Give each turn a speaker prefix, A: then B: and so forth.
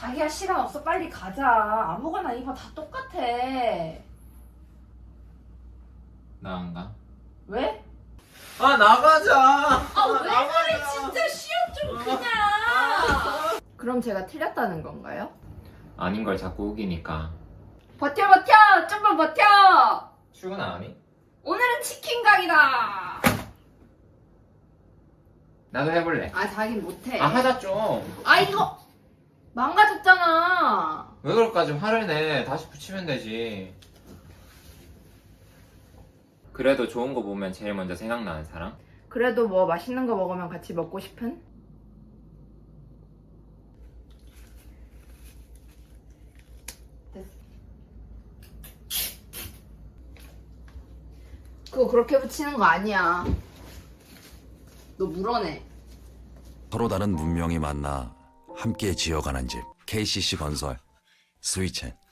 A: 자기야 시간 없어 빨리 가자. 아무거나 입어 다 똑같아.
B: 나 안 가.
A: 왜?
B: 아 나가자.
A: 아 왜 그래 진짜 시험 좀 그냥. 그럼 제가 틀렸다는 건가요?
B: 아닌 걸 자꾸 우기니까.
A: 버텨 버텨 좀만 버텨.
B: 출근 안 하니?
A: 오늘은 치킨 각이다.
B: 나도 해볼래.
A: 아 자긴 못해.
B: 아 하자 좀.
A: 아 이거 망가졌잖아.
B: 왜 그럴까? 좀 화를 내. 다시 붙이면 되지. 그래도 좋은 거 보면 제일 먼저 생각나는 사람?
A: 그래도 뭐 맛있는 거 먹으면 같이 먹고 싶은? 됐어. 그거 그렇게 붙이는 거 아니야. 너 물어내.
C: 서로 다른 문명이 만나 함께 지어가는 집 KCC 건설 스위첸.